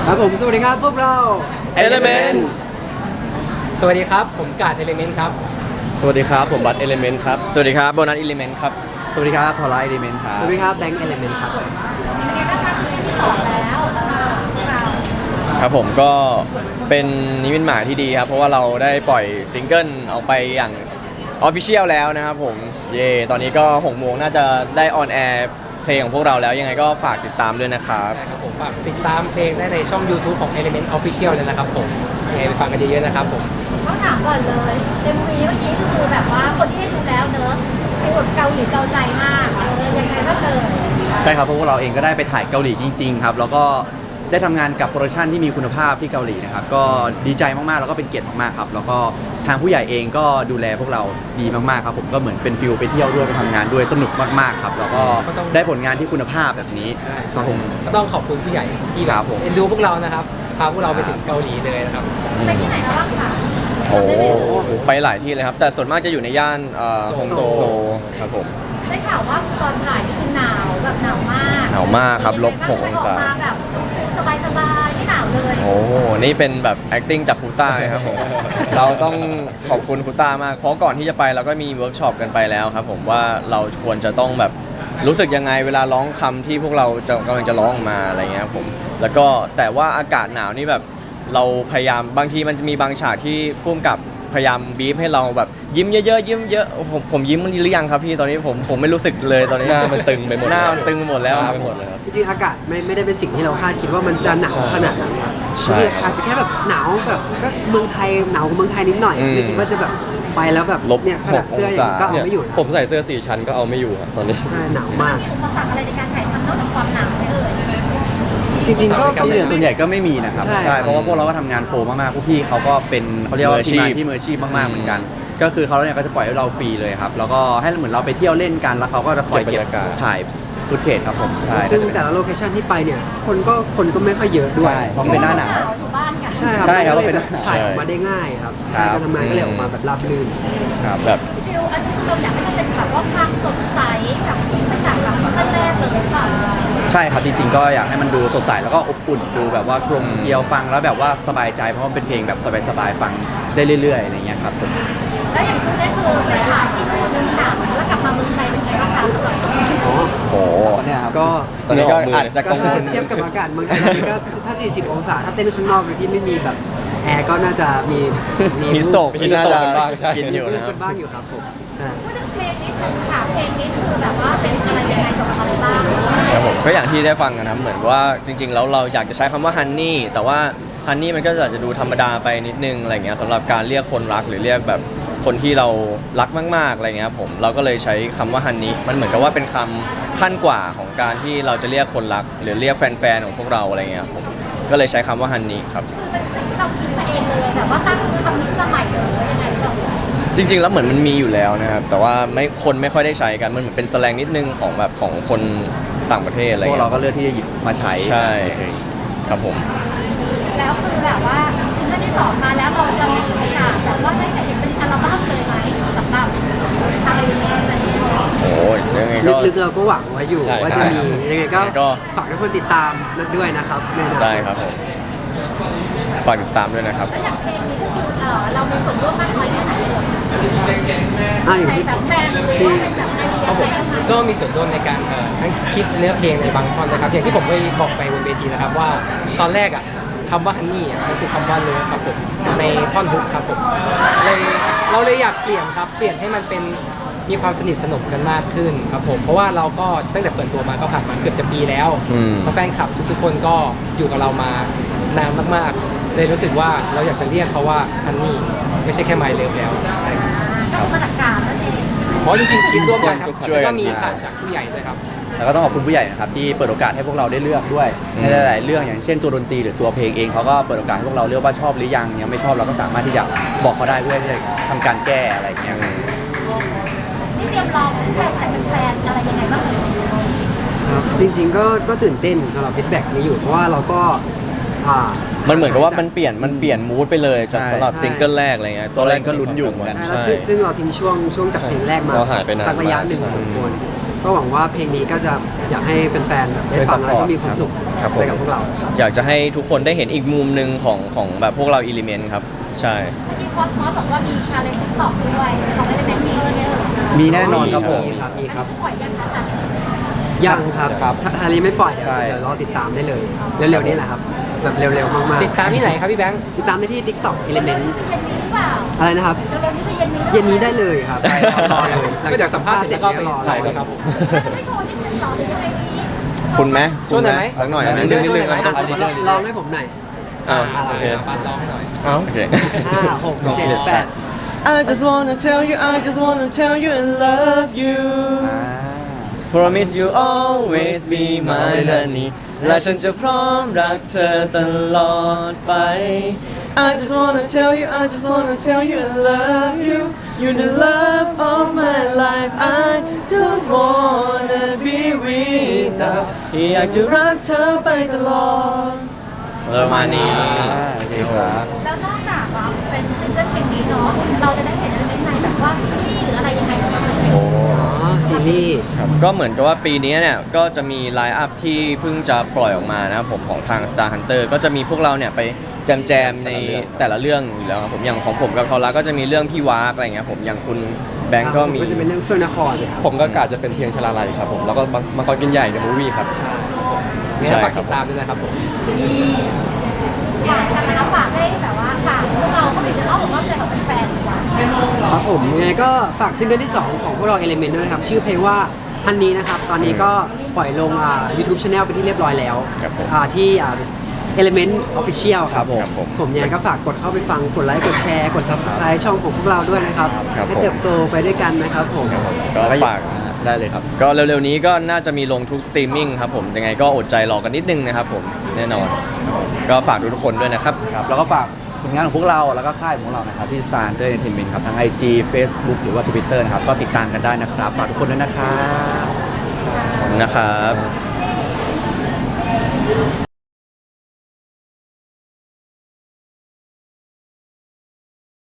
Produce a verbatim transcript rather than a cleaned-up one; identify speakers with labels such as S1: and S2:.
S1: ครับผมสวัสดีครับพวกเรา
S2: Element
S3: สวัสดีครับผมกาดเอลิเมนต์ครับ
S2: สวัสดีครับผมบัตเอลิเมนต์ครับ
S4: สวัสดีครับโบนัสอิเลเมนต์ครับ
S2: สวัสดีครับทอร่าเอลิเมนต์ครับ
S1: สวัสดีครับแบงค์เอลิเมนต์ครับ
S4: ครับผมก็เป็นนิมิตหมายที่ดีครับเพราะว่าเราได้ปล่อยซิงเกิลออกไปอย่างออฟฟิเชียลแล้วนะครับผมเย่ตอนนี้ก็หกโมงน่าจะได้ออนแอร์เพลงของพวกเราแล้วยังไงก็ฝากติดตามด้วยนะครับ
S3: ใช่ครับผมฝากติดตามเพลงได้ในช่อง YouTube ของ Element Official เลยนะครับผมยังไงไปฟังกันเยอะๆนะครับผม
S5: ต้องถามก่อนเลยเอ็มวีเมื่อกี้คือแบบว่าคนที่ดูแล้วเนอะไปอดเกาหลีเกาใจมากเออยังไงบ้างเลย
S2: ใช่ครับเพราะพวกเราเองก็ได้ไปถ่ายเกาหลีจริงๆครับแล้วก็ได้ทำงานกับโปรดักชันที่มีคุณภาพที่เกาหลีนะครับก็ดีใจมากๆแล้วก็เป็นเกียรติมากๆครับแล้วก็ทางผู้ใหญ่เองก็ดูแลพวกเราดีมากๆครับผมก็เหมือนเป็นฟิลไปเที่ยวด้วยไปทำงานด้วยสนุกมากๆครับแล้วก็ได้ผลงานที่คุณภาพแบบนี้ครับผม
S3: ก็ต้องขอบคุณผู้ใหญ่ที่แบ
S2: ครับ บผม
S3: เอ็นดูพวกเรานะครับพาพวกเราไปถึงเกาหลีเลยนะครับ
S5: ไปที่ไหนมาบ้างคะ
S4: โอ้โหไปหลายที่เลยครับแต่ส่วนมากจะอยู่ในย่านเอ่อฮงโซครับผม
S5: ได้ข่าวว่าตอนถ่ายนี่คือหนาวแบบหนาวมาก
S4: หนาวมากครับลบหกองศา
S5: ออกมาแบบสบายๆไม่หนาวเลย
S4: โอ้โหนี่เป็นแบบ acting จากครูต้าเลยครับผม เราต้องขอบคุณครูต้ามาก เพราะก่อนที่จะไปเราก็มีเวิร์กช็อปกันไปแล้วครับผมว่าเราควรจะต้องแบบรู้สึกยังไงเวลาร้องคำที่พวกเราจะกำลังจะร้องออกมาอะไรเงี้ยครับผม แล้วก็แต่ว่าอากาศหนาวนี่แบบเราพยายามบางทีมันจะมีบางฉากที่พุ่มกับพยายามบีบให้เราแบบยิ้มเยอะๆยิ้มเยอะผมผมยิ้มหรือยังครับพี่ตอนนี้ผมผมไม่รู้สึกเลยตอนนี้
S2: หน้ามันตึงไปหมด
S4: หน้ามันตึงไปหมดแล้ว
S2: ไปหมดเลยครับ
S1: จริงๆอากาศไม่ไม่ได้เป็นสิ่งที่เราคาดคิดว่ามันจะหนาวขนาดนั้น
S4: ใช่
S1: คืออาจจะแค่แบบหนาวแบบก็เมืองไทยหนาวกว่าเมืองไทยนิดหน่อย
S4: อืม
S1: ไม่คิดว่าจะแบบไปแล้วแบบ
S4: ลบ
S1: เนี่ยขนาดเสื้ออย่างนี้ก็เอาไม่อยู่นะ
S2: ผมใส่เสื้อสี่ชั้นก็เอาไม่อยู่ครับตอนนี้
S1: ใช่หนาวมาก
S5: อุปสรรคอะไรในการถ่ายทำนอกจากความหนาวไหมเอ่ย
S1: จริงๆก็ก็
S2: ที่
S1: ไม่
S2: เหลือส่วนใหญ่ก็ไม่มีนะครับ
S1: ใช่
S2: เพราะว่าพวกเราก็ทำงานโฟมากๆพวกพี่เขาก็เป็นเขาเรียกว่า
S4: มืออาชี
S2: ทีม
S4: พ
S2: งานที่มืออาชีพมากๆเหมือนกัน ก็คือเขาเนี่ยก็จะปล่อยให้เราฟรีเลยครับแล้วก็ให้เหมือนเราไปเที่ยวเล่นกันแล้วเขาก็จะคอยเก็บถ่ายฟุตเทจครับผมใช่
S1: ซึ่งแต่ละโลเคชั่นที่ไปเนี่ยคนก็คนก็ไม่ค่อยเยอะด้วย
S2: ใช่เพราะมันเป็นหน้าหนาว
S5: อยู่บ้านกัน
S1: ใช่ครับ
S2: ใช่ครับ
S1: มันก็เลย
S2: เป็น
S1: แบบถ่ายออกมาได้ง่ายครับ
S2: ครั
S1: ใช่
S2: บ
S1: การทำงานก็เลยออกมาแบบราบรื่น
S2: ครับ
S4: แบบ
S5: ฟิลอันนี้เราอยากให้มันเป็นแบบว่าความสดใสแบบที่มาจากแบบซิงเกิลแรกเลยหรือเปล่า
S2: ใช่ครับจริงๆก็อยากให้มันดูสดใสแล้วก็อบอุ่นดูแบบว่ากลมเกลียวฟังแล้วแบบว่าสบายใจเพราะมันเป็นเพลงแบบสบายๆฟังได้เรื่อยๆอะไรเงี้ยครับผม
S5: แล้วอย่างชุดนี้คือไปถ่ายที่นู่นหนาวแล้วกลับมาเมืองไทยเป็นไงบ้างคะสำหรับชุดนี้
S1: อ๋อ
S4: โอ้โห
S2: เนี่ยครับ
S1: ก็
S4: ตอนนี้ก็อาจจะ
S1: ก็
S4: กังว
S1: ถ้า
S4: ล
S1: เทียบกับอากาศเมืองไทยตอนนี้ก็ถ้า สี่สิบ องศา ถ้าเต้นข้างนอกโดยที่ไม่มีแบบแอร์ก็น่าจะมี
S4: มีสโตก
S1: มี
S4: มีน่าจะกินอยู่
S1: มี
S4: นะครับ
S1: กันบ้างอยู่ครับผมใช่
S5: พูดถึงเพลงนี้คือถามเพลงนี้คือแบบว่าเป็นอะไรยังไงเกี่ยวกับอะไรบ้าง
S4: ครับผมก็อย่างที่ได้ฟังนะครับเหมือนว่าจริงๆแล้วเราอยากจะใช้คำว่าฮันนี่แต่ว่าฮันนี่มันก็อาจจะดูธรรมดาไปนิดนึงอะไรเงี้ยสำหรับการเรียกคนรักหรือเรียกแบบคนที่เรารักมากๆอะไรเงี้ยครับผมเราก็เลยใช้คำว่าฮันนี่มันเหมือนกับว่าเป็นคำขั้นกว่าของการที่เราจะเรียกคนรัก หรือเรียกแฟนๆของพวกเราอะไรเงี้ยครับผมก็เลยใช้คำว่าฮันนี่ครับ
S5: คือเป็นสิ่งที่เราคิดมาเองเลยแบบว่าตั้งคำนี้มาใหม่เลยยังไงก็
S4: จริงๆแล้วเหมือนมันมีอยู่แล้วนะครับแต่ว่าไม่คนไม่ค่อยได้ใช้กันมันเหมือนเป็นแสแลงนิดนึงของแบบของคนต่างประเทศอะไร
S2: พวก
S4: เงี้
S2: เรา
S4: ย
S2: ก็เลือกที่จะหยิบมาใช้
S4: ใช่ครับผม
S5: แล้วคือแบบว่าซิงเกิลที่สองมาแล้วเราจะมีโอกาสแบบว่าได้เห็นเป็นอัลบั้มเลยไหมสำหรับชาลีนี้อะไรอย่างเงี้ย
S4: โอ้ยยังไงก็
S1: ลึกๆเราก็หวังไว้อยู่
S4: ใช่
S1: ว่าจะมี
S4: ใช่
S1: ยังไงก็
S4: ก็
S1: ฝากทุกคนติดตามด้วยนะครับในอนาคต
S4: ได้ครับผมฝากติดตามด้วยนะครับ
S5: แล้วอย่างเพลงนี้ก็คือเออเรามีส่วนร่วมมากน้อยแค่ไหนเลย
S1: อ่าอย่าง
S5: ใช้
S1: ที่
S5: แบบแบรนด์หรือว่าเป็นแบบไอเดียอะไรยังไง
S3: ก็มีส่วนร่วมในการเอ่อทั้งคิดเนื้อเพลงในบางท่อนนะครับอย่างที่ผมได้บอกไปบนเวทีนะครับว่าตอนแรกอ่ะคำว่าฮันนี่อ่ะก็คือคำว่าเลิฟครับผมในท่อนฮุกครับผมเลยเราเลยอยากเปลี่ยนครับเปลี่ยนให้มันเป็นมีความสนิทสนมกันมากขึ้นครับผมเพราะว่าเราก็ตั้งแต่เปิดตัวมาก็ผ่านมาเกือบจะปีแล้ว
S4: อืม
S3: แล้วแฟนคลับทุกๆคนก็อยู่กับเรามานานมากๆ เลยรู้สึกว่าเราอยากจะเรียกเขาว่าฮันนี่ไม่ใช่แค่ไมล์เลิฟแล้วใช่ครับ
S5: ก็คือมาจากการนั่นเอง
S3: เพราะจริงๆคิดร่วมกันครับ
S4: ช่วยกัน
S3: แล้วก็มีผ่านจากผู้ใหญ่ด้วยครับ
S2: แล้วก็ต้องขอบคุณผู้ใหญ่นะครับที่เปิดโอกาสให้พวกเราได้เลือกด้วย
S4: อืม
S2: ในหลายๆเรื่องอย่างเช่นตัวดนตรีหรือตัวเพลงเองเขาก็เปิดโอกาสให้พวกเราเลือกว่าชอบหรือยังยังไม่ชอบเราก็สามารถที่จะบอกเขาได้เพื่อที่จะทำการแก้อะไรอย่างเงี้ย
S5: นี่เตรียมรองแบบจากแฟนๆอะไรยังไงบ้างเอ่ย
S1: ครับจริงๆก็ก็ตื่นเต้นสำหรับฟีดแบ็กนี้อยู่เพราะว่าเราก็อ่า
S4: มันเหมือนกับว่ามันเปลี่ยนมันเปลี่ยนมูดไปเลยจาก
S2: ใช่
S4: สำหรับซิงเกิลแรกอะไรเงี้ย
S2: ตอนแรกก็ลุ้นอยู่เหมือนกัน
S1: ใช่แล้วซึ่งซึ่งเราทิ้งช่วงช่วงจากเพลงแรกมา
S4: เราหายไปนาน
S1: สักระยะหนึ่งพ
S4: มาก
S1: อสมควรก็หวังว่าเพลงนี้ก็จะอยากให้แฟนๆแบบได้ฟังแล้วก็มีความสุข
S4: ครับผม
S1: ไปกับพวกเราครับ
S4: อยากจะให้ทุกคนได้เห็นอีกมุมหนึ่งของของแบบพวกเราอิเลเมนต์ครับใช่
S5: เมื่อกี้คอสมอสบอกว่ามีชาเลนจ์ติ๊กต็อกด้วยของเอลิเมนต์มีด้วยไหมเอ่ย
S2: มีแน่นอนครับผม
S1: มีครับมีครับ
S5: ปล่อยยังคะจัด
S1: ยังครับ
S2: ครับ
S1: ฮารีไม่ปล่อยเดี๋ยว
S2: ใช่
S1: เดี๋ยวรอติดตามได้เลย เร็วๆนี้แหละครับ แบบเร็วๆมากๆ
S3: ติดตามที่ไหนครับพี่แบงค์
S1: ติดตามได้ที่ TikTok Element
S5: เย็นนี้หรือเปล่า
S1: อะไรนะครับ
S5: เร็วๆนี้ไปเย็นนี้
S1: เย็นนี้ได้เลยครับ
S3: ใช่ครับ
S1: รอเลย
S3: ก็จากสัมภาษณ์เสร็จแล้วก็ไป
S1: รอ
S3: ใช่เลยครับ
S5: จะไม่โชว์ที่เป็นสองหรือยังไงดี
S4: คุณไหม
S3: ช่วยหน่อยไหม
S4: สักหน่อยไหม
S3: นิดนึงนิดนึง
S1: อ่ะลองลองให้ผมหน่อย
S4: อ่าโอเค
S3: บัสร้องให้หน่อย
S4: โอเค
S1: ห้าหกเจ็ดแปด
S4: I just wanna tell you I just wanna tell you I love you Promise you always be my honey และฉันจะพร้อมรักเธอตลอดไป I just wanna tell you I just wanna tell you I love you You're the love of my life I don't wanna be without อยากจะรักเธอไปตลอดประมาณนี้
S2: โอเคครับ
S5: แล้วนอกจากว่าเป็นซิงเกิลเพลงนี้เนาะเราจะได้เห็นเอลิเมนต์ในแบบว่าซีรีส์หรืออะไรยังไงบ้างไหม
S1: อ๋อซีรีส์
S4: ครับก็เหมือนกับว่าปีนี้เนี่ยก็จะมีไลน์อัพที่เพิ่งจะปล่อยออกมานะครับผมของทาง Star Hunter ก็จะมีพวกเราเนี่ยไปแจมแจมๆในแต่ละเรื่องอยู่แล้วครับผมอย่างของผมกับทอร่าก็จะมีเรื่องพี่วากอะไรเงี้ยผมอย่างคุณแบงก์ก็มี
S1: ก็จะเป็นเรื่องเฟื่องนครครับ
S6: ผมก็กาจะเป็นเพียงชลาลัยครับผมแล้วก็มังกรกินใหญ่ในมูวี่ครับ
S3: งั้นฝากติดตามด้วยนะครับผม
S5: ฝากกันนะคะฝากให้แบบว่าฝากพวกเราเข้าไปในอ้อมอกอ้อมใจของแฟนๆดีกว่า
S1: ครับผมยังไงก็ฝากซิงเกิลที่ สอง ของพวกเรา Element ด้วยนะครับ ชื่อเพลงว่าฮันนี้นะครับ ตอนนี้ก็ปล่อยลงอ่า YouTube Channel เป็นที่เรียบร้อยแล้ว
S4: ครับผม
S1: อ่าที่อ่า Element Official ครับผม
S4: ครับผม
S1: ผมยังไงก็ฝากกดเข้าไปฟังกดไลค์กดแชร์กด Subscribe ช่องของพวกเราด้วยนะครับ
S4: ครับ
S1: ให้
S4: ผม
S1: เติบโตไปด้วยกันนะครับผม
S4: ก็ฝาก
S2: ได้เลยครับ
S4: ก็เร็วๆนี้ก็น่าจะมีลงทุกสตรีมมิ่งครับผมยังไงก็อดใจรอกันนิดนึงนะครับผมแน่นอนครับผมก็ฝากทุกๆคนด้วยนะครับ
S2: ครับแล้วก็ฝากผลงานของพวกเราแล้วก็ค่ายของพวกเรานะครับที่ Star Hunter Entertainment ครับทั้ง ไอ จี Facebook หรือว่า Twitter นะครับก็ติดตามกันได้นะครับฝากทุกคนด้วยนะครับ
S4: นะครับ